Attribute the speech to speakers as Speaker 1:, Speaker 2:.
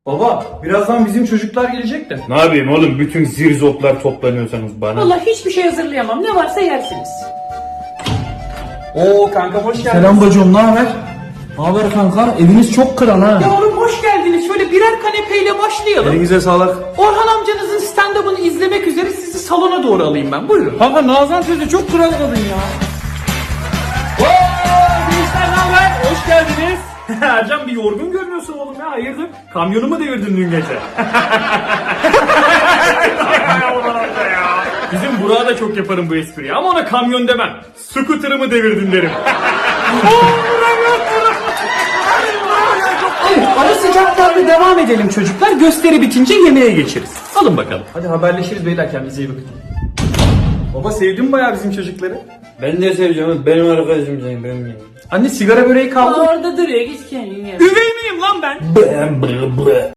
Speaker 1: Baba, birazdan bizim çocuklar gelecek de.
Speaker 2: Ne yapayım oğlum, bütün zirzoplar toplanıyorsanız bana.
Speaker 3: Vallahi hiçbir şey hazırlayamam. Ne varsa yersiniz.
Speaker 1: Oo kanka hoş geldin.
Speaker 4: Selam bacım, ne haber? Ne haber kanka? Eviniz çok kral ha.
Speaker 3: Ya oğlum hoş geldiniz. Şöyle birer kanepeyle başlayalım.
Speaker 1: Elinize sağlık.
Speaker 3: Orhan amcanızın stand-up'ını izlemek üzere sizi salona doğru alayım ben. Buyurun.
Speaker 1: Kanka Nazan teyze çok kral kadın ya.
Speaker 2: Gençler ne haber? Hoş geldiniz. Ercan bir yorgun görünüyorsun oğlum ya, hayırdır? Kamyonu mu devirdin dün gece? Bizim Burak'a da çok yaparım bu espriyi ama ona kamyon demem. Scooter'ımı devirdin derim.
Speaker 3: Evet, ara sıcaklarla devam edelim çocuklar. Gösteri bitince yemeğe geçeriz. Alın bakalım.
Speaker 1: Hadi haberleşiriz beyler, kendinize iyi bakın. Baba sevdim bayağı bizim çocukları.
Speaker 4: Ben de seveceğim, benim arkadaşım senin, benim yani.
Speaker 1: Anne sigara böreği kaldı.
Speaker 3: Orada duruyor. Git kendin ye.
Speaker 2: Üvey miyim lan ben?